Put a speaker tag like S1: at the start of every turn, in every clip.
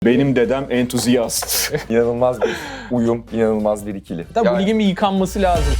S1: Benim dedem entuziyast.
S2: İnanılmaz bir uyum, inanılmaz bir ikili.
S3: Tabii bu ligin bir yıkanması lazım.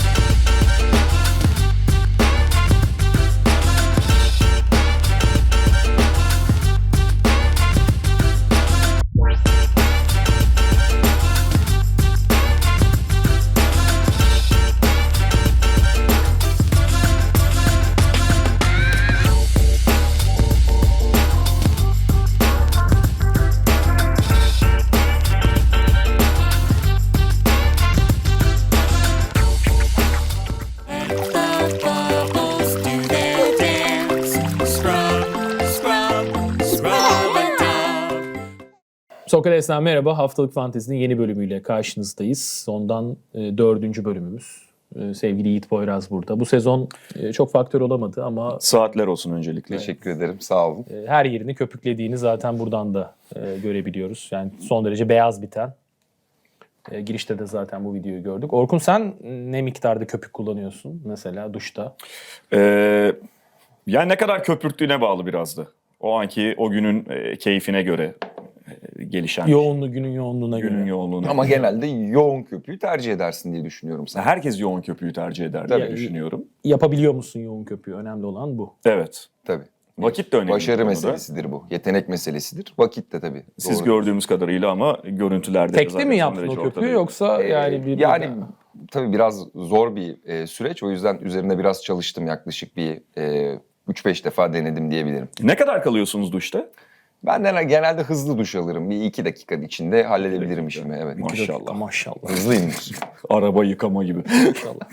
S3: Sokrates'ten merhaba. Haftalık Fantezi'nin yeni bölümüyle karşınızdayız. Ondan 4. bölümümüz. Sevgili Yiğit Poyraz burada. Bu sezon çok faktör olamadı ama
S1: Saatler olsun öncelikle.
S2: Teşekkür ederim, sağ olun.
S3: her yerini köpüklediğini zaten buradan da görebiliyoruz. Yani son derece beyaz biten. Girişte de zaten bu videoyu gördük. Orkun, sen ne miktarda köpük kullanıyorsun mesela duşta?
S1: Yani ne kadar köpürttüğüne bağlı biraz da. O anki, o günün keyfine göre gelişen.
S3: Günün yoğunluğuna
S1: Günün
S3: göre.
S1: yoğunluğuna.
S2: Ama genelde yoğun köpüğü tercih edersin diye düşünüyorum sen.
S1: Herkes yoğun köpüğü tercih eder diye
S2: Tabii.
S1: düşünüyorum.
S3: Yapabiliyor musun yoğun köpüğü? Önemli olan bu.
S1: Evet.
S2: Tabii.
S1: Vakit de önemli. bu
S2: Başarı
S1: konuda.
S2: meselesidir bu. Yetenek meselesidir. Vakit de tabii.
S1: Siz
S2: Doğru.
S1: gördüğümüz kadarıyla ama görüntülerde...
S3: Tekte
S1: zaten
S3: mi
S1: son
S3: yaptın
S1: derece
S3: o köpüğü
S1: ortadaydı.
S3: yoksa yani bir...
S2: Yani tabii biraz zor bir süreç. O yüzden üzerine biraz çalıştım. Yaklaşık bir 3-5 defa denedim diyebilirim.
S1: Ne kadar kalıyorsunuz duşta?
S2: Ben de genelde hızlı duş alırım. Bir 2 dakika içinde halledebilirim işimi. Evet.
S1: Maşallah.
S3: Maşallah.
S2: Hızlıyımdır.
S1: Araba yıkama gibi.
S3: Maşallah.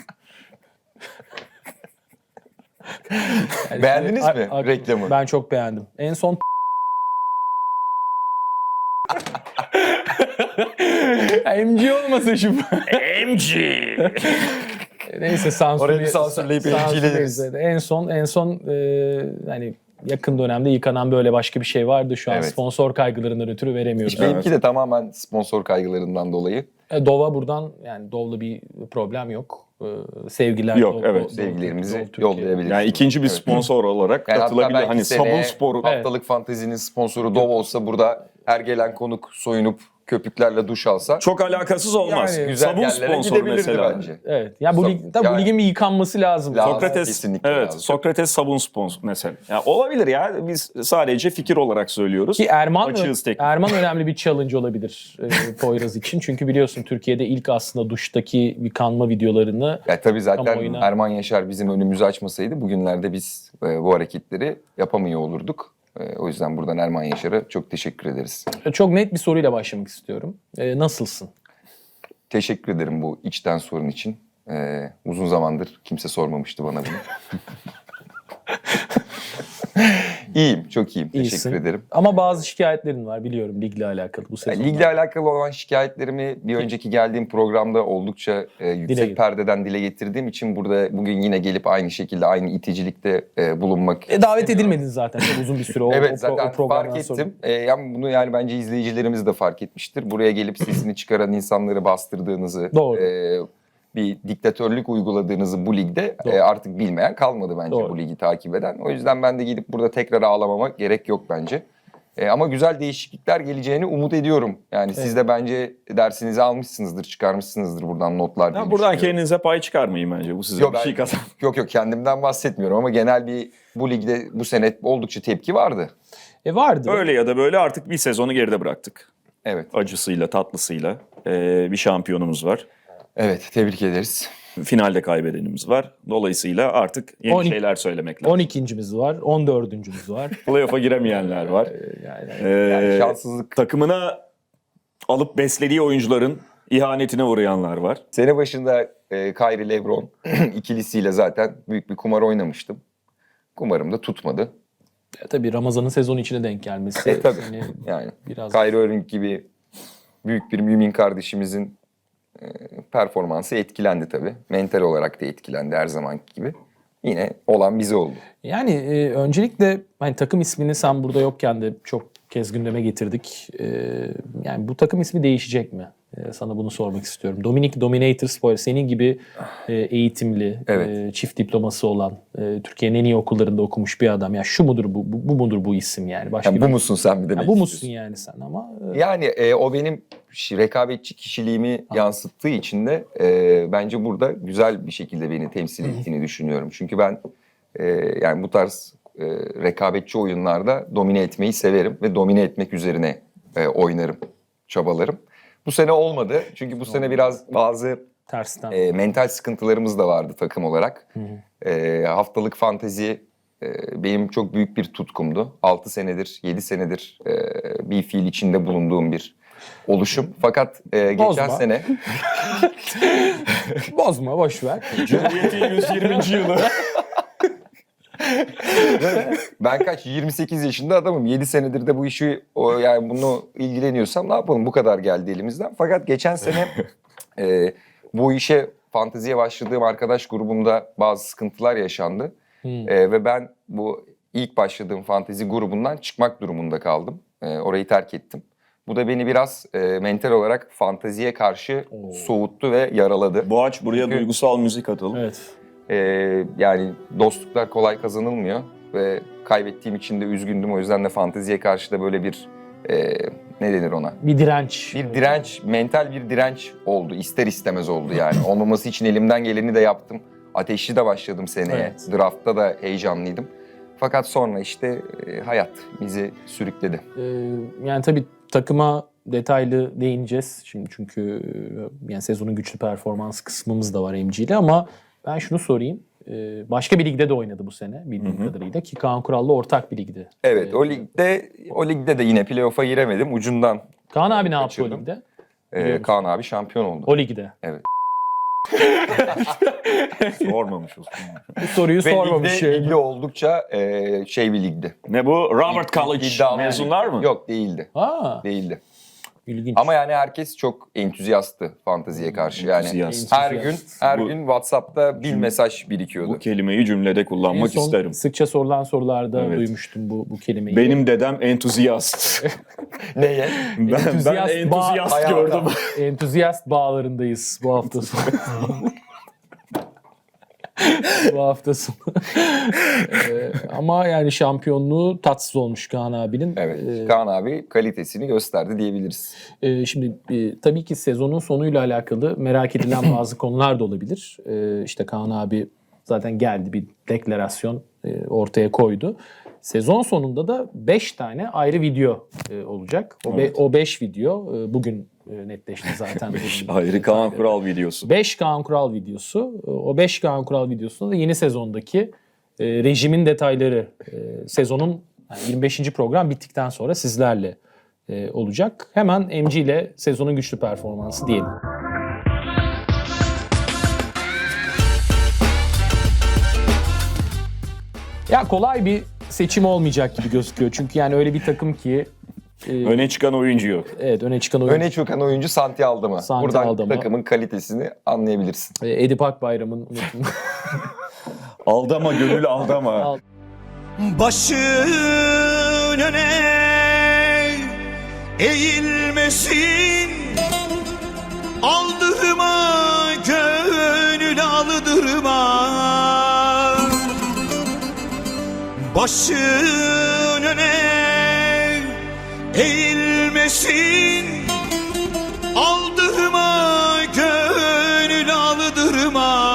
S3: Yani
S2: Beğendiniz
S3: şimdi-
S2: mi reklamı?
S3: Ben çok beğendim. En son MG olmasın şu.
S1: MG!
S3: Neyse sansürleyip
S2: Orayı bir sansürleyip MG'leriz.
S3: En son hani yakın dönemde yıkanan böyle başka bir şey vardı. Şu an
S2: Evet.
S3: sponsor kaygılarından ötürü veremiyoruz.
S2: Benimki de tamamen sponsor kaygılarından dolayı.
S3: Dov'a buradan, yani Dov'la bir problem yok. Sevgiler.
S1: Yok, evet.
S2: Sevgilerimizi
S3: Türkiye.
S2: yollayabiliriz.
S1: Yani ikinci bir
S2: Evet.
S1: sponsor olarak
S2: Yani hatta
S1: katılabilir.
S2: belki
S1: Hani
S2: seneye
S1: sabun sporu.
S2: Haftalık Fantezi'nin sponsoru Dove olsa burada her gelen konuk soyunup köpüklerle duş alsa
S1: Çok alakasız olmaz.
S3: Yani
S2: güzel
S1: sabun
S2: yerlere
S1: sponsoru
S2: gidebilirdi
S1: mesela.
S2: bence.
S3: Evet. Ya bu lig, tabii bu
S2: Yani-
S3: ligin bir yıkanması lazım.
S2: Lazım.
S1: Sokrates,
S2: Kesinlikle
S1: evet,
S2: lazım.
S1: Sokrates sabun sponsor mesela. Ya olabilir ya. Biz sadece fikir olarak söylüyoruz.
S3: Ki
S1: Açığız teknik.
S3: Erman önemli bir challenge olabilir Poyraz için. Çünkü biliyorsun Türkiye'de ilk aslında duştaki yıkanma videolarını
S2: Ya tabii zaten
S3: Kamuoyuna-
S2: Erman Yaşar bizim önümüzü açmasaydı bugünlerde biz bu hareketleri yapamıyor olurduk. O yüzden buradan Erman Yaşar'a çok teşekkür ederiz.
S3: çok net bir soruyla başlamak istiyorum. Nasılsın?
S2: Teşekkür ederim bu içten sorun için. Uzun zamandır kimse sormamıştı bana bunu. İyiyim, çok iyiyim.
S3: İyisin.
S2: Teşekkür ederim.
S3: Ama bazı şikayetlerin var biliyorum ligle alakalı bu sezonda.
S2: Ligle alakalı olan şikayetlerimi bir önceki geldiğim programda oldukça yüksek
S3: getir.
S2: perdeden dile getirdiğim için burada bugün yine gelip aynı şekilde aynı iticilikte bulunmak
S3: Davet
S2: istemiyorum.
S3: edilmedin zaten çok uzun bir süre oldu.
S2: Evet zaten
S3: programdan
S2: fark
S3: sonra.
S2: ettim. Yani bunu yani bence izleyicilerimiz de fark etmiştir. Buraya gelip sesini çıkaran insanları bastırdığınızı,
S3: Doğru.
S2: bir diktatörlük uyguladığınızı bu ligde
S3: Doğru.
S2: artık bilmeyen kalmadı bence
S3: Doğru.
S2: bu ligi takip eden. O yüzden ben de gidip burada tekrar ağlamama gerek yok bence. Ama güzel değişiklikler geleceğini umut ediyorum. Yani siz de bence dersinizi almışsınızdır, çıkarmışsınızdır buradan notlar diye
S1: Ya buradan
S2: düşünüyorum.
S1: kendinize pay çıkarmayın bence. Bu size
S2: Yok,
S1: bir şey
S2: ben-
S1: kazan.
S2: Yok kendimden bahsetmiyorum ama genel bir bu ligde bu sene oldukça tepki vardı.
S3: Vardı.
S1: Öyle ya da böyle artık bir sezonu geride bıraktık.
S2: Evet.
S1: Acısıyla, tatlısıyla. Bir şampiyonumuz var.
S2: Evet, tebrik ederiz.
S1: Finalde kaybedenimiz var. Dolayısıyla artık yeni
S3: 12
S1: şeyler söylemek lazım.
S3: 12.'miz var, 14.'ümüz var.
S1: Playoff'a giremeyenler var.
S3: Yani
S2: Yani şanssızlık.
S1: Takımına alıp beslediği oyuncuların ihanetine uğrayanlar var.
S2: Sene başında Kyrie LeBron ikilisiyle zaten büyük bir kumar oynamıştım. Kumarım da tutmadı.
S3: tabii Ramazan'ın sezon içine denk gelmesi.
S2: Tabii.
S3: seni
S2: Yani
S3: biraz
S2: Kyrie Irving gibi büyük bir mümin kardeşimizin performansı etkilendi tabii. Mental olarak da etkilendi her zamanki gibi. Yine olan bize oldu.
S3: Yani öncelikle hani takım ismini sen burada yokken de çok kez gündeme getirdik. Yani bu takım ismi değişecek mi? sana bunu sormak istiyorum. Dominic Dominator Spoiler senin gibi eğitimli,
S2: Evet.
S3: çift diploması olan, Türkiye'nin en iyi okullarında okumuş bir adam. Ya şu mudur bu mudur bu isim yani? Başka
S2: Yani bu musun sen bir de?
S3: Ya bu musun yani sen ama?
S2: Yani o benim rekabetçi kişiliğimi yansıttığı için de bence burada güzel bir şekilde beni temsil ettiğini düşünüyorum. Çünkü ben yani bu tarz rekabetçi oyunlarda domine etmeyi severim ve domine etmek üzerine oynarım, çabalarım. Bu sene olmadı çünkü bu sene biraz bazı
S3: Tersten.
S2: mental sıkıntılarımız da vardı takım olarak. Haftalık fantezi benim çok büyük bir tutkumdu. 6 senedir, 7 senedir bir fiil içinde bulunduğum bir oluşum. Fakat geçen
S3: Bozma.
S2: sene...
S3: Bozma, boş ver.
S1: Cumhuriyet'in 120. yılı.
S2: Ben 28 yaşında adamım. 7 senedir de bu işi yani bunu ilgileniyorsam ne yapalım? Bu kadar geldi elimizden. Fakat geçen sene bu işe fanteziye başladığım arkadaş grubumda bazı sıkıntılar yaşandı. Ve ben bu ilk başladığım fantezi grubundan çıkmak durumunda kaldım. Orayı terk ettim. Bu da beni biraz mental olarak fanteziye karşı soğuttu ve yaraladı.
S1: Boğaç buraya
S2: Çünkü-
S1: duygusal müzik atalım.
S3: Evet.
S2: Yani dostluklar kolay kazanılmıyor ve kaybettiğim için de üzgündüm. O yüzden de fanteziye karşı da böyle bir ne denir ona?
S3: Bir direnç.
S2: Bir direnç, mental bir direnç oldu. İster istemez oldu yani. Olmaması için elimden geleni de yaptım. Ateşli de başladım seneye.
S3: Evet.
S2: Draft'ta da heyecanlıydım. Fakat sonra işte hayat bizi sürükledi.
S3: Yani tabii takıma detaylı değineceğiz şimdi çünkü yani sezonun güçlü performans kısmımız da var MG'de ama ben şunu sorayım. Başka bir ligde de oynadı bu sene bildiğim kadarıyla ki Kaan Kural'la ortak bir ligdi.
S2: Evet, o ligde de yine playoff'a giremedim. Ucundan
S3: Kaan abi ne yaptı o
S2: kaçırdım.
S3: ligde? Biliyor musun?
S2: Kaan abi şampiyon oldu.
S3: O ligde.
S1: Sormamış olsun.
S3: Bu soruyu
S2: Ve
S3: sormamış.
S2: ligde oldukça şey bir ligdi.
S1: Ne bu? Robert College
S2: İddialı
S1: mezunlar
S2: lig.
S1: mı?
S2: Yok, değildi.
S3: Aa,
S2: Değildi.
S3: ilginç.
S2: Ama yani herkes çok entüziyasttı fanteziye karşı. Yani
S1: Entüziyast.
S2: her
S1: Bu-
S2: gün WhatsApp'ta bir mesaj birikiyordu.
S1: Bu kelimeyi cümlede
S3: En
S1: kullanmak
S3: son
S1: isterim.
S3: sıkça sorulan sorularda
S1: Evet.
S3: duymuştum bu kelimeyi.
S1: Benim dedem entuziyast.
S2: Neye?
S1: ben
S3: Entüziyast
S1: entuziyast
S2: bağ-
S1: gördüm.
S3: Entüziyast bağlarındayız bu hafta sonu. Bu hafta sonu. Ama yani şampiyonluğu tatsız olmuş Kaan abinin.
S2: Evet. Kaan abi kalitesini gösterdi diyebiliriz.
S3: Şimdi tabii ki sezonun sonuyla alakalı merak edilen bazı konular da olabilir. İşte Kaan abi zaten geldi bir deklarasyon ortaya koydu. Sezon sonunda da 5 tane ayrı video olacak. O 5 video bugün netleşti zaten.
S1: Ayrı Kaan Kural videosu.
S3: 5 Kaan Kural videosu. O 5 Kaan Kural videosunda da yeni sezondaki rejimin detayları sezonun yani 25. program bittikten sonra sizlerle olacak. Hemen MG ile sezonun güçlü performansı diyelim. Ya kolay bir seçim olmayacak gibi gözüküyor. Çünkü yani öyle bir takım ki
S1: Öne çıkan oyuncu yok.
S3: evet öne çıkan oyuncu
S2: Öne çıkan oyuncu Santi Aldama.
S3: Santi
S2: Buradan
S3: Aldama.
S2: takımın kalitesini anlayabilirsin.
S3: Edip Akbayram'ın
S1: Aldama gönül aldama.
S4: Başın öne eğilmesin, aldırma gönül aldırma. Başın öne eğilmesin, aldırma gönül aldırma.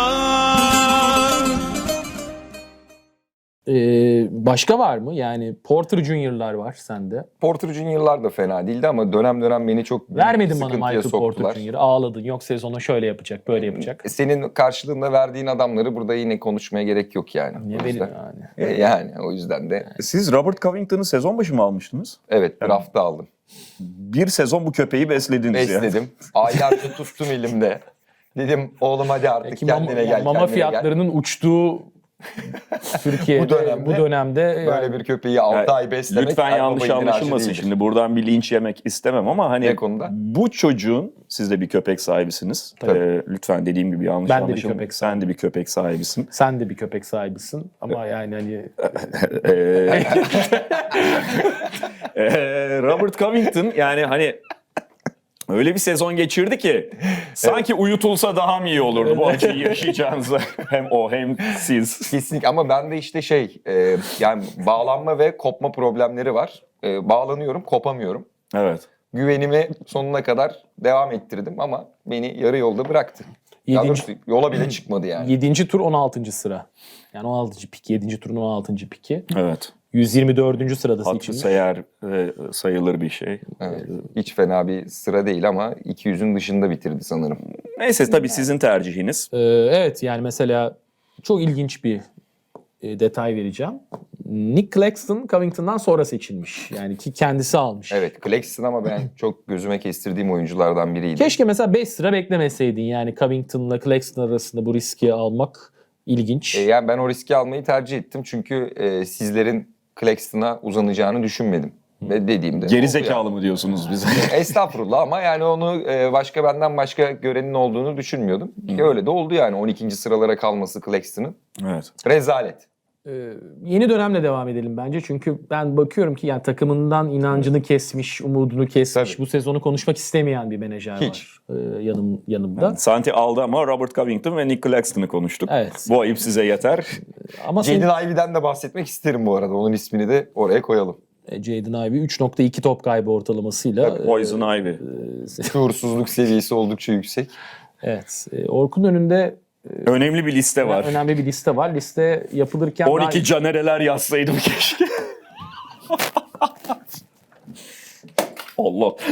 S3: Başka var mı? Yani Porter Junior'lar var sende.
S2: Porter Junior'lar da fena değildi ama dönem dönem beni çok büyük
S3: Vermedin bana
S2: sıkıntıya
S3: Michael
S2: soktular.
S3: Porter Junior'ı. Ağladın. Yok sezonu şöyle yapacak, böyle yapacak.
S2: Senin karşılığında verdiğin adamları burada yine konuşmaya gerek yok yani.
S3: Niye
S2: O yüzden-
S3: verin yani?
S2: Yani o yüzden de
S1: Siz Robert Covington'ı sezon başı mı almıştınız?
S2: evet draft'ta aldım.
S1: Bir sezon bu köpeği beslediniz ya.
S2: Besledim. Aylarca tuttum elimde. Dedim oğlum hadi artık
S3: Peki
S2: kendine gel.
S3: mama
S2: kendine
S3: fiyatlarının uçtuğu Türkiye'de bu dönemde
S2: gel. Böyle bir köpeği 6
S1: Yani
S2: ay beslemek.
S1: lütfen
S2: her
S1: yanlış
S2: baba yiğidin harcı
S1: anlaşılmasın
S2: değildir.
S1: şimdi. Buradan bir linç yemek istemem ama hani
S2: Ne konuda?
S1: bu çocuğun, siz de bir köpek sahibisiniz.
S2: Tabii.
S1: Lütfen dediğim gibi yanlış
S3: Ben de bir
S1: anlaşılmasın.
S3: köpek
S1: Sen de bir köpek sahibisin.
S3: sen de bir köpek sahibisin ama yani hani
S1: Robert Covington yani hani Öyle bir sezon geçirdi ki sanki uyutulsa daha mı iyi olurdu bu acıyı yaşayacağınıza. Hem o hem siz.
S2: Kesinlikle, ama bende işte yani bağlanma ve kopma problemleri var. Bağlanıyorum, kopamıyorum.
S1: Evet.
S2: Güvenimi sonuna kadar devam ettirdim ama beni yarı yolda bıraktı. Daha
S3: Yedinci-
S2: doğrusu yola bile çıkmadı yani.
S3: 7. tur 16. sıra. Yani 16. pik. 7. turun 16. piki.
S1: Evet.
S3: 124. sırada
S1: Hatırı
S3: seçilmiş.
S1: sayılır bir şey.
S2: Evet, hiç fena bir sıra değil ama 200'ün dışında bitirdi sanırım.
S1: Neyse tabii sizin tercihiniz.
S3: Evet, yani mesela çok ilginç bir detay vereceğim. Nick Claxton Covington'dan sonra seçilmiş. Yani ki kendisi almış.
S2: Evet, Claxton ama ben çok gözüme kestirdiğim oyunculardan biriydi.
S3: Keşke mesela 5 sıra beklemeseydin. Yani Covington'la Claxton arasında bu riski almak ilginç.
S2: Yani ben o riski almayı tercih ettim çünkü sizlerin Claxton'a uzanacağını düşünmedim. Ve dediğimde
S1: Geri
S2: oldu
S1: zekalı mı diyorsunuz bize?
S2: yani. Estağfurullah, ama yani onu benden başka görenin olduğunu düşünmüyordum. Öyle de oldu yani, 12. sıralara kalması Claxton'ın.
S1: Evet.
S2: Rezalet.
S3: Yeni dönemle devam edelim bence. Çünkü ben bakıyorum ki yani takımından inancını kesmiş, umudunu kesmiş.
S2: Tabii.
S3: Bu sezonu konuşmak istemeyen bir menajer
S2: Hiç.
S3: var yanımda.
S1: Santi aldı ama Robert Covington ve Nick Claxton'ı konuştuk.
S3: Evet.
S1: Bu ayıp size yeter.
S3: Ama senin,
S2: Jaden Ivey'den de bahsetmek isterim bu arada. Onun ismini de oraya koyalım.
S3: Jaden Ivey 3.2 top kaybı ortalamasıyla.
S1: Poison Ivy.
S2: Şuursuzluk seviyesi oldukça yüksek.
S3: Evet. Orkun önünde
S1: Önemli bir liste var.
S3: önemli bir liste var. Liste yapılırken
S1: 12 canereler yazsaydım keşke. Allah.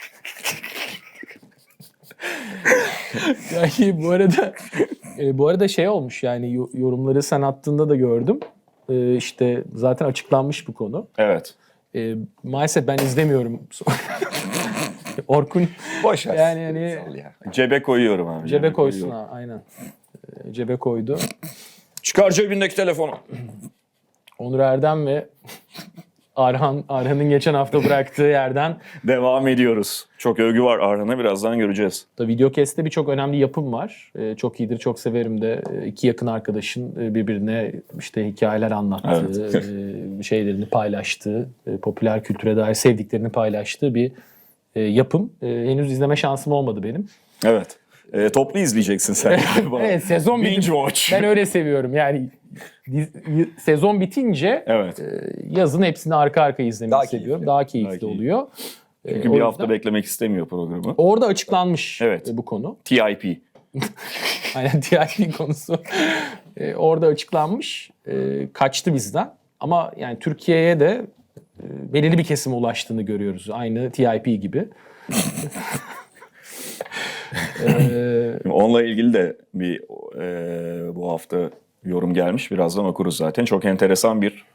S3: yani bu arada şey olmuş, yani yorumları sen attığında da gördüm. İşte zaten açıklanmış bu konu.
S1: Evet.
S3: Maalesef ben izlemiyorum. Orkun
S2: Boş ver.
S3: yani hani
S2: Sal ya.
S1: Cebe koyuyorum abi.
S3: cebe koysun
S1: koyuyorum.
S3: ha, aynen. Cebe koydu.
S1: Çıkar cebindeki telefonu.
S3: Onur Erdem ve Arhan'ın geçen hafta bıraktığı yerden
S1: Devam ediyoruz. Çok övgü var Arhan'a, birazdan göreceğiz.
S3: da Videocast'te birçok önemli yapım var. Çok iyidir, çok severim de. İki yakın arkadaşın birbirine işte hikayeler anlattığı, şeylerini paylaştığı, popüler kültüre dair sevdiklerini paylaştığı bir yapım. Henüz izleme şansım olmadı benim.
S1: Evet. Toplu izleyeceksin sen galiba.
S3: Evet, sezon
S1: Binge
S3: bitince
S1: watch.
S3: ben öyle seviyorum. Yani sezon bitince
S1: Evet.
S3: yazın hepsini arka arkaya izlemeyi
S2: Daha
S3: seviyorum.
S2: keyifli.
S3: Daha keyifli
S1: Daha keyifli.
S3: oluyor.
S1: Çünkü
S3: O
S1: bir hafta
S3: yüzden
S1: beklemek istemiyor programı.
S3: orada açıklanmış
S1: Evet.
S3: bu konu.
S1: TIP.
S3: Aynen, TIP konusu orada açıklanmış. Kaçtı bizden. Ama yani Türkiye'ye de belirli bir kesime ulaştığını görüyoruz. Aynı TIP gibi.
S1: Onunla ilgili de bir bu hafta yorum gelmiş. Birazdan okuruz zaten. Çok enteresan bir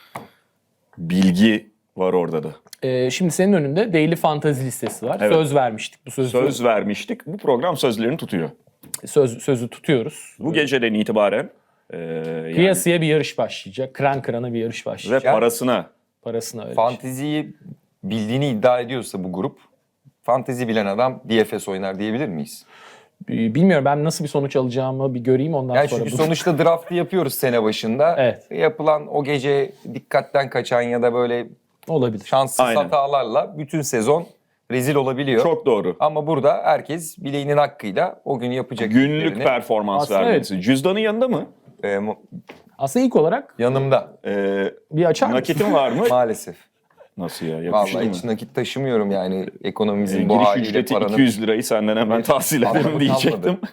S1: bilgi var orada da.
S3: Şimdi senin önünde Daily Fantasy listesi var.
S1: Evet.
S3: Söz vermiştik. Bu
S1: Söz vermiştik. Bu program sözlerini tutuyor.
S3: sözü tutuyoruz.
S1: Bu geceden itibaren yani
S3: Kıyasıya bir yarış başlayacak. Kıran kırana bir yarış
S1: ve
S3: başlayacak.
S1: parasına
S3: Parasına öyle.
S2: Fanteziyi bildiğini iddia ediyorsa bu grup, fantezi bilen adam DFS oynar diyebilir miyiz?
S3: Bilmiyorum, ben nasıl bir sonuç alacağımı bir göreyim, ondan
S2: Yani
S3: sonra.
S2: çünkü sonuçta draftı yapıyoruz sene başında.
S3: Evet.
S2: Yapılan o gece dikkatten kaçan ya da böyle
S3: Olabilir.
S2: şanssız
S1: Aynen.
S2: hatalarla bütün sezon rezil olabiliyor.
S1: çok doğru.
S2: Ama burada herkes bileğinin hakkıyla o gün yapacak
S1: Günlük
S2: işlerini,
S1: performans
S3: Aslında
S1: vermesi. Cüzdanın yanında mı?
S3: Aslında ilk olarak
S2: yanımda
S3: bir açar mısın?
S1: Nakitin var mı?
S2: maalesef.
S1: Nasıl ya? Yakışır
S2: Vallahi
S1: mı?
S2: hiç nakit taşımıyorum yani ekonomimizin bu
S1: Giriş
S2: haliyle
S1: ücreti
S2: paranın.
S1: 200 lirayı senden hemen tahsil ederim
S2: Anladım,
S1: diyecektim.
S2: anladım.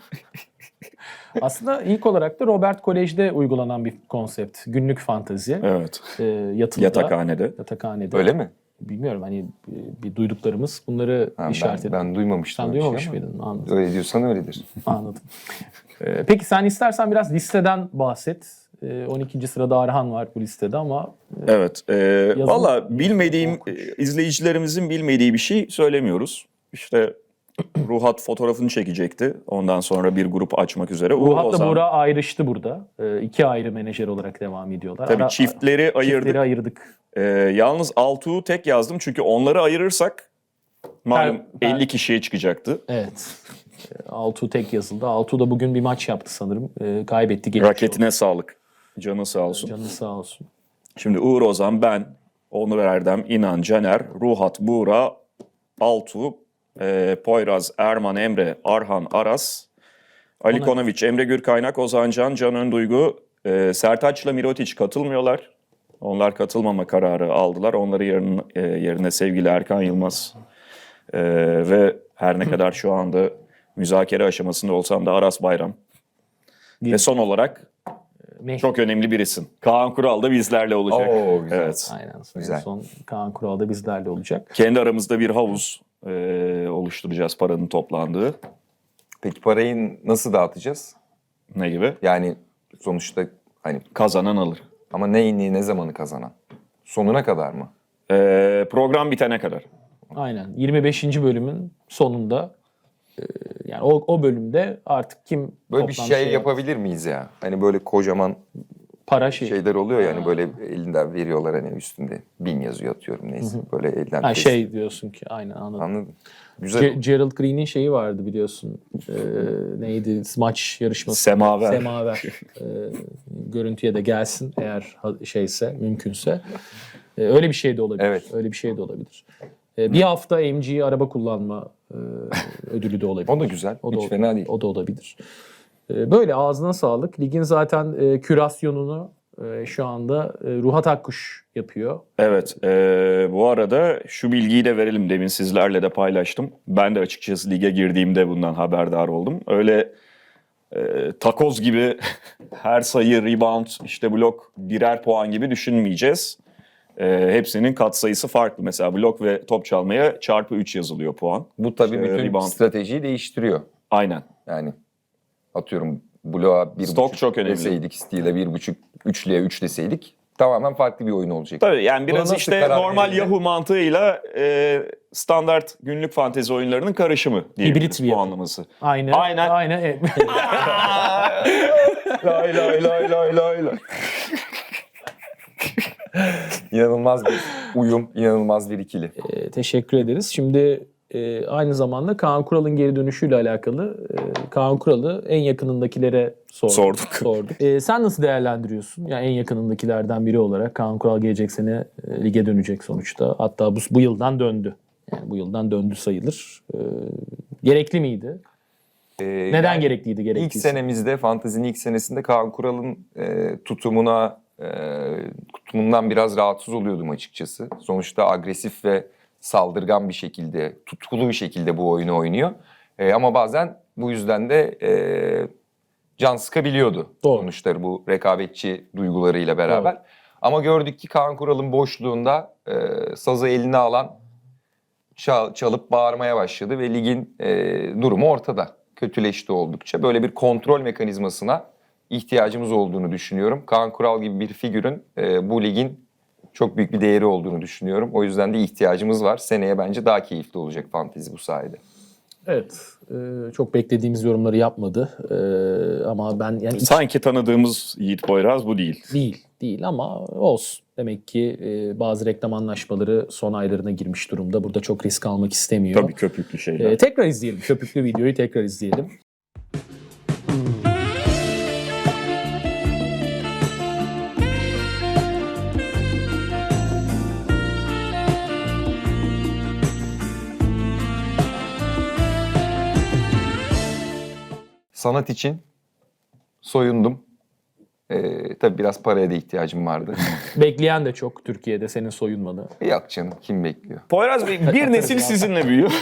S3: Aslında ilk olarak da Robert Kolej'de uygulanan bir konsept. Günlük fantezi.
S1: Evet.
S3: Yatılıda.
S1: Yatakhanede.
S3: Yatakhanede.
S2: Öyle mi?
S3: Bilmiyorum, hani bir duyduklarımız bunları
S2: Ha,
S3: işaret ediyor.
S2: ben duymamıştım.
S3: Sen
S2: öyle bir
S3: duymamış
S2: şey ama
S3: mıydın? Anladım.
S2: Öyle diyorsan öyledir.
S3: Anladım. Peki sen istersen biraz listeden bahset. 12. sırada Arhan var bu listede ama
S1: Evet.
S3: Yazın-
S1: Valla bilmediğim, izleyicilerimizin bilmediği bir şey söylemiyoruz. İşte Ruhat fotoğrafını çekecekti. Ondan sonra bir grup açmak üzere.
S3: Ruhat'la
S1: Ozan-
S3: Buğra ayrıştı burada. İki ayrı menajer olarak devam ediyorlar.
S1: Tabii çiftleri ayırdık.
S3: Çiftleri ayırdık.
S1: Yalnız Altuğ'u tek yazdım. Çünkü onları ayırırsak malum
S3: Ben-
S1: 50 kişiye çıkacaktı.
S3: Evet. Altuğ tek yazıldı. Altuğ da bugün bir maç yaptı sanırım. Kaybetti. geçmiş
S1: Raketine sağlık. Canı sağ olsun.
S3: oldu. Canı sağ olsun.
S1: Şimdi Uğur Ozan, ben, Onur Erdem, İnan, Caner, Ruhat, Buğra, Altuğ, Poyraz, Erman, Emre, Arhan, Aras, Ali
S3: Ona-
S1: Konoviç, Emre Gürkaynak, Ozan Can, Can Önduygu, Sertaç'la Mirotic katılmıyorlar. Onlar katılmama kararı aldılar. Onları yerine sevgili Erkan Yılmaz ve her ne kadar şu anda müzakere aşamasında olsam da Aras Bayram. Ve son olarak çok önemli bir isim. Kaan Kural da bizlerle olacak.
S2: Oo, güzel.
S1: Evet.
S3: Aynen.
S2: Güzel.
S3: Son Kaan Kural da bizlerle olacak.
S1: Kendi aramızda bir havuz oluşturacağız paranın toplandığı.
S2: Peki parayı nasıl dağıtacağız?
S1: Ne gibi?
S2: Yani sonuçta hani
S1: Kazanan alır.
S2: ama ne zamanı kazanan? Sonuna kadar mı?
S1: Program bitene kadar.
S3: Aynen. 25. bölümün sonunda yani o bölümde artık kim
S2: Böyle bir
S3: toplam
S2: şey
S3: yaptı,
S2: yapabilir miyiz ya? Hani böyle kocaman
S3: para
S2: şeyler oluyor yani böyle elinden veriyorlar hani üstünde 1000 yazıyor atıyorum neyse. Böyle elden
S3: Ha,
S2: kes-
S3: şey diyorsun ki aynen anladım.
S2: Anladın? Güzel.
S3: Gerald Green'in şeyi vardı biliyorsun. Neydi? Maç yarışması.
S1: Semaver.
S3: Semaver. Görüntüye de gelsin eğer şeyse, mümkünse. Öyle bir şey de olabilir.
S2: Evet.
S3: Öyle bir şey de olabilir. Bir hafta MG araba kullanma ödülü de olabilir.
S2: O da güzel.
S3: O da
S2: Hiç fena değil.
S3: O da olabilir. Böyle ağzına sağlık. Ligin zaten kürasyonunu şu anda Ruhat Akkuş yapıyor.
S1: Evet. Bu arada şu bilgiyi de verelim. Demin sizlerle de paylaştım. Ben de açıkçası lige girdiğimde bundan haberdar oldum. Öyle takoz gibi her sayı, rebound, işte blok birer puan gibi düşünmeyeceğiz. Hepsinin katsayısı farklı. Mesela blok ve top çalmaya çarpı 3 yazılıyor puan.
S2: Bu tabii
S1: İşte
S2: bütün
S1: rebound.
S2: stratejiyi değiştiriyor.
S1: Aynen.
S2: Yani atıyorum bloğa 1.5
S1: Stok çok önemli.
S2: deseydik, steal'e 1.5, üçlüye 3 deseydik tamamen farklı bir oyun olacak.
S1: Tabii yani
S2: Buna
S1: biraz
S2: nasıl
S1: işte
S2: karar
S1: normal
S2: verildi?
S1: Yahoo mantığıyla standart günlük fantezi oyunlarının karışımı diyebiliriz
S3: Hibrit bir
S1: puanlaması.
S3: Aynen.
S1: Aynen.
S3: Aynen.
S2: Lay lay lay lay lay lay. İnanılmaz bir uyum, inanılmaz bir ikili.
S3: Teşekkür ederiz. Şimdi aynı zamanda Kaan Kural'ın geri dönüşüyle alakalı Kaan Kural'ı en yakınındakilere sorduk. Sen nasıl değerlendiriyorsun? Yani en yakınındakilerden biri olarak Kaan Kural gelecek sene lige dönecek sonuçta. Hatta bu yıldan döndü. Yani bu yıldan döndü sayılır. Gerekli miydi? Neden
S2: Yani
S3: gerekliydi?
S2: İlk
S3: Gerekliyse?
S2: senemizde, fantezinin ilk senesinde Kaan Kural'ın tutumundan biraz rahatsız oluyordum açıkçası. Sonuçta agresif ve saldırgan bir şekilde, tutkulu bir şekilde bu oyunu oynuyor. Ama bazen bu yüzden de can sıkabiliyordu.
S3: Doğru.
S2: Sonuçta bu rekabetçi duygularıyla beraber.
S3: Doğru.
S2: Ama gördük ki Kaan Kural'ın boşluğunda sazı eline alan çalıp bağırmaya başladı ve ligin durumu ortada. Kötüleşti oldukça. Böyle bir kontrol mekanizmasına ihtiyacımız olduğunu düşünüyorum. Kaan Kural gibi bir figürün bu ligin çok büyük bir değeri olduğunu düşünüyorum. O yüzden de ihtiyacımız var. Seneye bence daha keyifli olacak fantezi bu sayede.
S3: Evet. Çok beklediğimiz yorumları yapmadı. Ama ben yani
S1: Sanki tanıdığımız Yiğit Poyraz bu değil.
S3: Değil ama olsun. Demek ki bazı reklam anlaşmaları son aylarına girmiş durumda. Burada çok risk almak istemiyor.
S1: Tabii köpüklü şeyler.
S3: Tekrar izleyelim. Köpüklü videoyu tekrar izleyelim.
S2: Sanat için soyundum. Tabii biraz paraya da ihtiyacım vardı.
S3: Bekleyen de çok Türkiye'de senin soyunmanı.
S2: Yok canım, kim bekliyor?
S1: Poyraz Bey bir nesil sizinle büyüyor.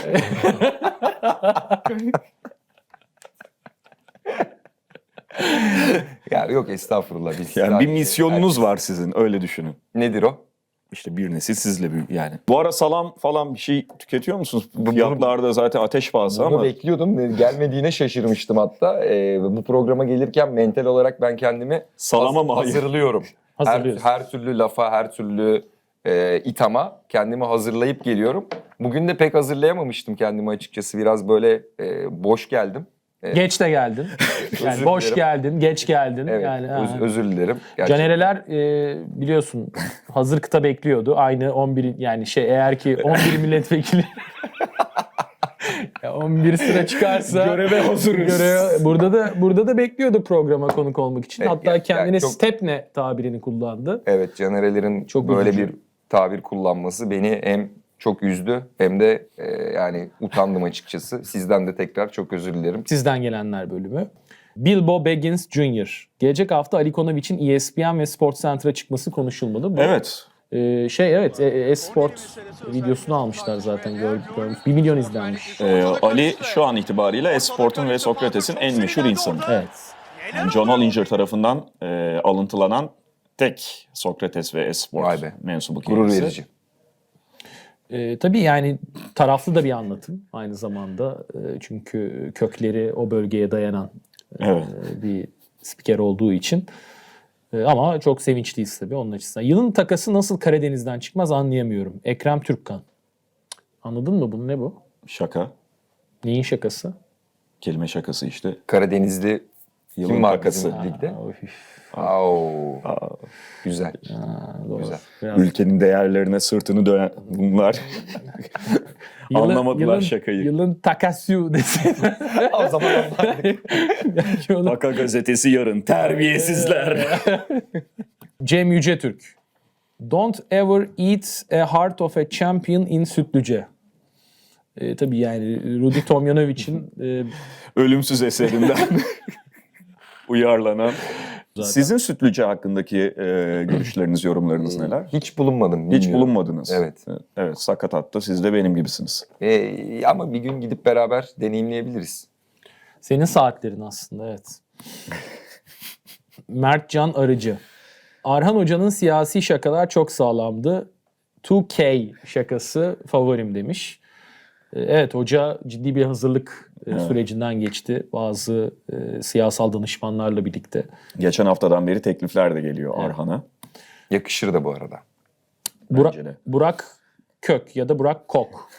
S2: Ya yok estağfurullah. Biz
S1: Yani bir
S2: sadece-
S1: misyonunuz var sizin, öyle düşünün.
S2: Nedir o?
S1: İşte bir nesil sizle büyüyor yani. Bu ara salam falan bir şey tüketiyor musunuz?
S2: Bunu-
S1: Fiyatlarda zaten ateş pahası
S2: Bunu
S1: ama
S2: bekliyordum. Gelmediğine şaşırmıştım hatta. Bu programa gelirken mental olarak ben kendimi
S1: salama mı? Hayır.
S2: hazırlıyorum.
S3: Hazırlıyorsun.
S2: Her türlü lafa, her türlü ithama kendimi hazırlayıp geliyorum. Bugün de pek hazırlayamamıştım kendimi açıkçası. Biraz böyle boş geldim.
S3: Geç de geldin. Yani
S2: Özür
S3: boş
S2: dilerim.
S3: geldin, geç geldin.
S2: Evet,
S3: Yani
S2: özür dilerim. Gerçekten.
S3: Canereler biliyorsun hazır kıta bekliyordu. Aynı 11 yani eğer ki 11 milletvekili ya 11 sıra çıkarsa
S1: Göreve hazırız.
S3: burada da bekliyordu programa konuk olmak için.
S2: Evet,
S3: Hatta
S2: yani
S3: kendine
S2: çok-
S3: stepne tabirini kullandı.
S2: Evet, canerelerin
S3: Çok
S2: böyle
S3: üzücü.
S2: bir tabir kullanması beni hem çok üzdü. Hem de yani utandım açıkçası. Sizden de tekrar çok özür dilerim.
S3: Sizden gelenler bölümü. Bilbo Baggins Jr. Gelecek hafta Ali Konovic'in ESPN ve SportsCenter'a çıkması konuşulmalı. Bu,
S1: Evet.
S3: Esport videosunu almışlar zaten. Görmüş. 1 milyon izlenmiş.
S1: Ali şu an itibariyle Esport'un ve Sokrates'in en meşhur insanı.
S3: Evet.
S1: Yani John Hollinger tarafından alıntılanan tek Sokrates ve Esport
S2: Vay be.
S1: mensubu
S2: Gurur
S1: kendisi.
S2: verici.
S3: Tabii yani taraflı da bir anlatım aynı zamanda. Çünkü kökleri o bölgeye dayanan
S1: Evet.
S3: bir spiker olduğu için. Ama çok sevinçliyiz tabii onun açısından. Yılın takası nasıl Karadeniz'den çıkmaz anlayamıyorum. Ekrem Türkkan. Anladın mı bunu? Ne bu?
S1: Şaka.
S3: Neyin şakası?
S1: Kelime şakası işte.
S2: Karadenizli
S1: Yılın
S2: kim var bizim
S1: takası.
S2: ligde?
S3: Of,
S2: Güzel.
S3: doğru.
S2: Güzel.
S3: Biraz-
S1: Ülkenin değerlerine sırtını dönen bunlar anlamadılar
S3: yılın-
S1: şakayı.
S3: Yılın takasyu deseydi.
S2: O zaman
S3: Belki onu-
S1: Aka gazetesi yarın. Terbiyesizler.
S3: Cem Yücetürk. Don't ever eat a heart of a champion in Sütlüce. Tabii yani Rudi Tomjanovic'in
S1: Ölümsüz eserinden uyarlanan. Sizin Sütlüce hakkındaki görüşleriniz, yorumlarınız neler?
S2: hiç bulunmadım.
S1: Hiç
S2: bilmiyorum.
S1: bulunmadınız.
S2: Evet.
S1: Evet, sakatatta siz de benim gibisiniz.
S2: Ama bir gün gidip beraber deneyimleyebiliriz.
S3: senin saatlerin aslında evet. Mertcan Arıcı. Arhan Hoca'nın siyasi şakalar çok sağlamdı. 2K şakası favorim demiş. Evet, hoca ciddi bir hazırlık sürecinden geçti. Bazı siyasal danışmanlarla birlikte.
S1: Geçen haftadan beri teklifler de geliyor Arhan'a.
S2: Yakışır da bu arada.
S1: Bence de.
S3: Burak Kök ya da Burak Kok.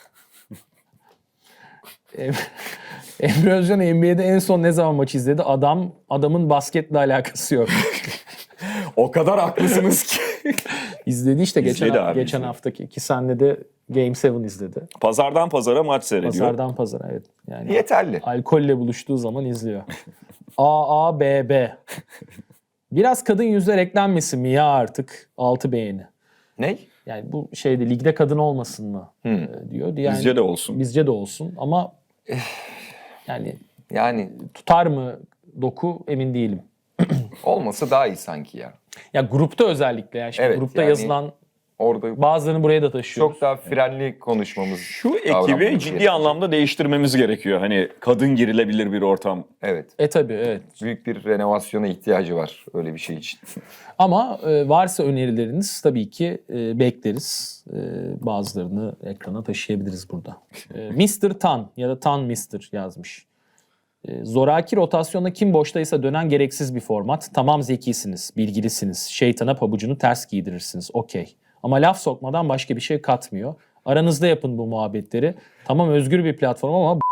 S3: Emre Özcan NBA'de en son ne zaman maç izledi? Adamın basketle alakası yok.
S1: O kadar haklısınız ki.
S3: İzledi işte
S1: İzledi abi,
S3: geçen
S1: izledi.
S3: haftaki ki senle de Game 7 izledi.
S1: Pazardan pazara maç seyrediyor.
S3: Pazardan pazara evet. Yani
S2: Yeterli.
S3: alkolle buluştuğu zaman izliyor. AABB. Biraz kadın yüzler eklenmesin mi ya artık? 6 beğeni.
S2: Ne?
S3: Yani bu şeyde ligde kadın olmasın mı diyor. Yani,
S1: Bizce de olsun.
S3: Bizce de olsun ama yani
S2: Yani
S3: tutar mı doku emin değilim.
S2: olmasa daha iyi sanki ya.
S3: Ya grupta özellikle yani şimdi
S2: Evet,
S3: grupta
S2: yani-
S3: yazılan
S2: Orada
S3: bazılarını buraya da taşıyoruz.
S2: çok daha frenli konuşmamız.
S1: Şu ekibi
S2: davranmamız
S1: ciddi
S2: gerekiyor.
S1: anlamda değiştirmemiz gerekiyor. Hani kadın girilebilir bir ortam.
S2: Evet.
S3: Tabii evet.
S2: Büyük bir renovasyona ihtiyacı var öyle bir şey için.
S3: Ama varsa önerileriniz tabii ki bekleriz. Bazılarını ekrana taşıyabiliriz burada. Mr. Tan ya da Tan Mr. yazmış. Zoraki rotasyonda kim boştaysa dönen gereksiz bir format. Tamam zekisiniz, bilgilisiniz. Şeytana pabucunu ters giydirirsiniz. Okey. Ama laf sokmadan başka bir şey katmıyor. Aranızda yapın bu muhabbetleri. Tamam özgür bir platform ama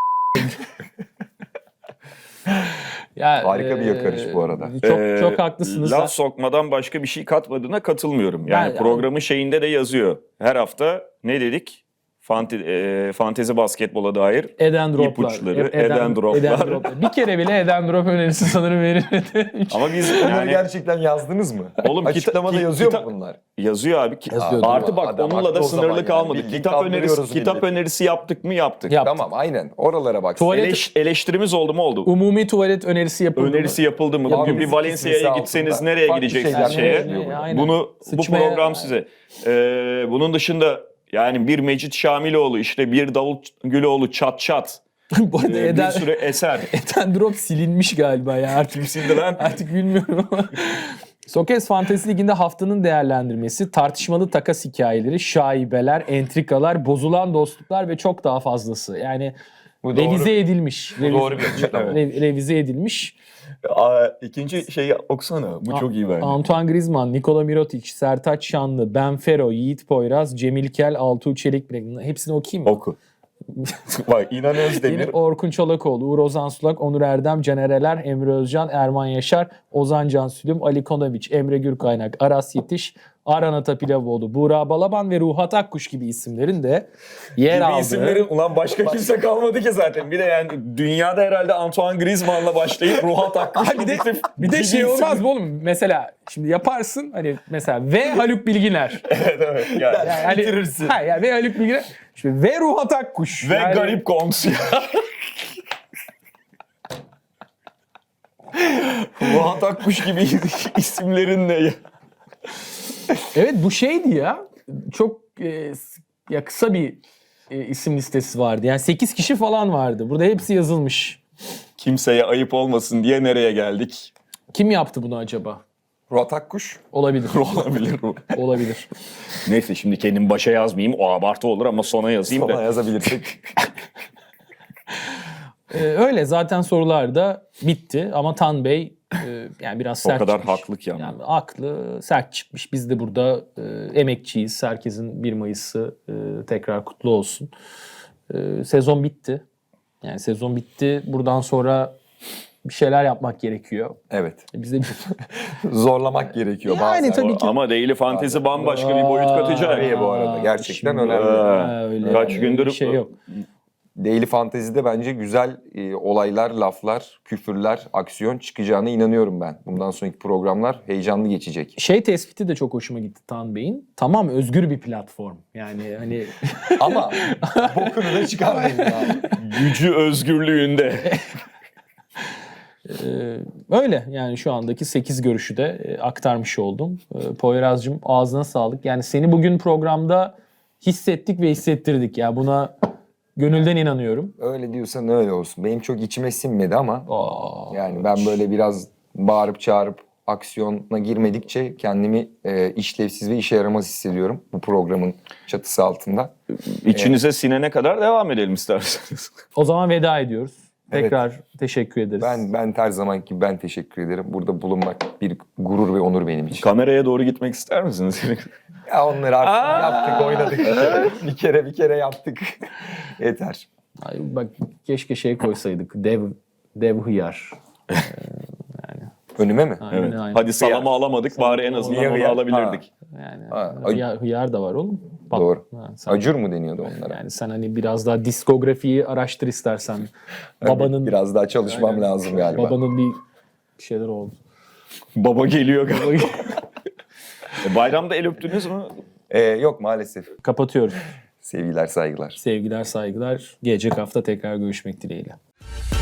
S3: ya,
S2: Harika bir yakarış bu arada.
S3: Çok haklısınız.
S1: Laf sokmadan başka bir şey katmadığına katılmıyorum. Yani
S3: Ben-
S1: programın şeyinde de yazıyor. Her hafta ne dedik? Fantezi basketbola dair
S3: Eden droplar.
S1: ipuçları, eden droplar.
S3: Bir kere bile eden drop önerisi sanırım verilmedi.
S1: Ama biz
S2: Bunları
S1: yani
S2: gerçekten yazdınız mı?
S1: Oğlum,
S2: Açıklamada yazıyor mu bunlar?
S1: yazıyor abi.
S3: Yazıyordur.
S1: Artı bak
S2: Adam
S1: onunla
S2: haklı
S1: da
S2: o zaman
S1: sınırlı
S2: yani.
S1: kalmadı.
S2: Bildiğin
S1: Kitap
S2: kandırıyoruz
S1: kitap
S2: milleti.
S1: önerisi yaptık mı yaptık.
S3: Yap.
S2: Tamam aynen. Oralara bak.
S3: Tuvalet-
S1: Eleştirimiz oldu mu oldu?
S3: Umumi tuvalet önerisi yapıldı mı?
S1: Önerisi yapıldı mı?
S2: Ya
S1: Bugün
S2: biz
S1: bir Valencia'ya
S2: ikisi
S1: gitseniz
S2: altında
S1: nereye
S2: farklı
S1: gideceksiniz
S2: şeyler
S1: şeye?
S2: konuşuyor.
S3: Aynen.
S1: Bu
S3: Sıçmaya-
S1: program size. Bunun dışında yani bir Mecit Şamiloğlu, işte bir Davut Güloğlu çat çat.
S3: Bu arada
S1: Bir sürü eser.
S3: Eden drop silinmiş galiba ya artık.
S1: Şimdi lan
S3: Artık bilmiyorum ama. Sokes Fantezi Ligi'nde haftanın değerlendirmesi, tartışmalı takas hikayeleri, şaibeler, entrikalar, bozulan dostluklar ve çok daha fazlası. Yani
S2: Bu doğru.
S3: revize edilmiş.
S2: doğru bir açıklama.
S3: Revize edilmiş.
S1: ikinci şeyi okusana. Bu çok iyi bence.
S3: Antoine Griezmann, Nikola Mirotic, Sertaç Şanlı, Benfero, Yiğit Poyraz, Cemil Kel, Altuğ Çelik. Hepsini okuyayım mı?
S1: Oku. Bak İnan Özdemir.
S3: Yine Orkun Çolakoğlu, Uğur Ozan Sulak, Onur Erdem, Caner Eler, Emre Özcan, Erman Yaşar, Ozan Can Sülüm, Ali Konoviç, Emre Gürkaynak, Aras Yetiş, Aran Atapilavoğlu, Buğra Balaban ve Ruhat Akkuş gibi isimlerin de yer
S1: Gibi
S3: aldığı.
S1: isimlerin ulan başka kimse kalmadı ki zaten. Bir de yani dünyada herhalde Antoine Griezmann'la başlayıp Ruhat Akkuş.
S3: Ha, bir de şey olmaz mı oğlum? Mesela şimdi yaparsın hani mesela ve Haluk Bilginer.
S1: Evet. Yani.
S3: Yani hani,
S2: Bitirirsin.
S3: ha, yani ve Haluk Bilginer. İşte ve Ruhat Akkuş.
S1: Ve
S3: Yani-
S1: garip Goms. Ruhat Akkuş gibi isimlerin ne ya?
S3: Evet bu şeydi ya. Çok ya kısa bir isim listesi vardı. Yani 8 kişi falan vardı. Burada hepsi yazılmış.
S1: Kimseye ayıp olmasın diye nereye geldik?
S3: Kim yaptı bunu acaba?
S2: Ruhat Akkuş.
S3: Olabilir.
S1: Olabilir bu.
S3: Olabilir.
S1: Neyse şimdi kendim başa yazmayayım. O abartı olur ama sona yazayım
S2: Ona
S1: da.
S2: yazabilirsek.
S3: Öyle zaten sorular da bitti ama Tan Bey yani biraz
S1: O
S3: sert
S1: kadar
S3: çıkmış.
S1: haklı ki ama.
S3: Yani haklı, sert çıkmış. Biz de burada emekçiyiz. Herkesin 1 Mayıs'ı tekrar kutlu olsun. Sezon bitti. Yani sezon bitti. Buradan sonra bir şeyler yapmak gerekiyor.
S2: Evet.
S3: Biz de
S2: Zorlamak gerekiyor
S3: Yani
S2: bazen.
S3: tabii ki.
S1: Ama Daily Fantasy bambaşka bir boyut katacak.
S2: Nereye bu arada? Gerçekten
S3: Şimdi-
S2: önemli.
S3: Öyle,
S1: Kaç
S3: öyle
S1: gündür
S3: bir şey yok.
S2: Daily Fantasy'de bence güzel olaylar, laflar, küfürler, aksiyon çıkacağına inanıyorum ben. Bundan sonraki programlar heyecanlı geçecek.
S3: Şey tespiti de çok hoşuma gitti Tan Bey'in. Tamam özgür bir platform. Yani hani
S2: Ama bokunu da çıkarmayın ya.
S1: Gücü özgürlüğünde.
S3: öyle yani şu andaki 8 görüşü de aktarmış oldum. Poyraz'cığım ağzına sağlık. Yani seni bugün programda hissettik ve hissettirdik. Ya buna gönülden inanıyorum.
S2: Öyle diyorsan öyle olsun. Benim çok içime sinmedi ama
S3: Aa,
S2: yani ben böyle biraz bağırıp çağırıp aksiyona girmedikçe kendimi işlevsiz ve işe yaramaz hissediyorum bu programın çatısı altında.
S1: İçinize sinene kadar devam edelim isterseniz.
S3: O zaman veda ediyoruz.
S2: Evet.
S3: Tekrar teşekkür ederiz.
S2: Ben her zamanki gibi ben teşekkür ederim. Burada bulunmak bir gurur ve onur benim için.
S1: Kameraya doğru gitmek ister misiniz?
S2: Ya onları artık yaptık, oynadık. bir kere yaptık. Yeter.
S3: Ay, bak keşke şey koysaydık. Dev hıyar.
S2: Önüme mi?
S3: Aynen,
S1: Evet.
S3: aynen.
S1: Hadi salama alamadık bari en azından
S2: Niye
S1: onu
S2: hıyar?
S1: alabilirdik.
S3: Yani
S2: Ha,
S3: hıyar da var oğlum. Bak,
S2: Doğru.
S3: ha, sen-
S2: Acur mu deniyordu onlara?
S3: Yani sen hani biraz daha diskografiyi araştır istersen. Babanın
S2: Biraz daha çalışmam lazım galiba.
S3: babanın bir şeyler oldu.
S1: Baba geliyor galiba. Bayramda el öptünüz mü?
S2: Yok maalesef.
S3: Kapatıyoruz.
S2: Sevgiler, saygılar.
S3: Sevgiler, saygılar. Gelecek hafta tekrar görüşmek dileğiyle.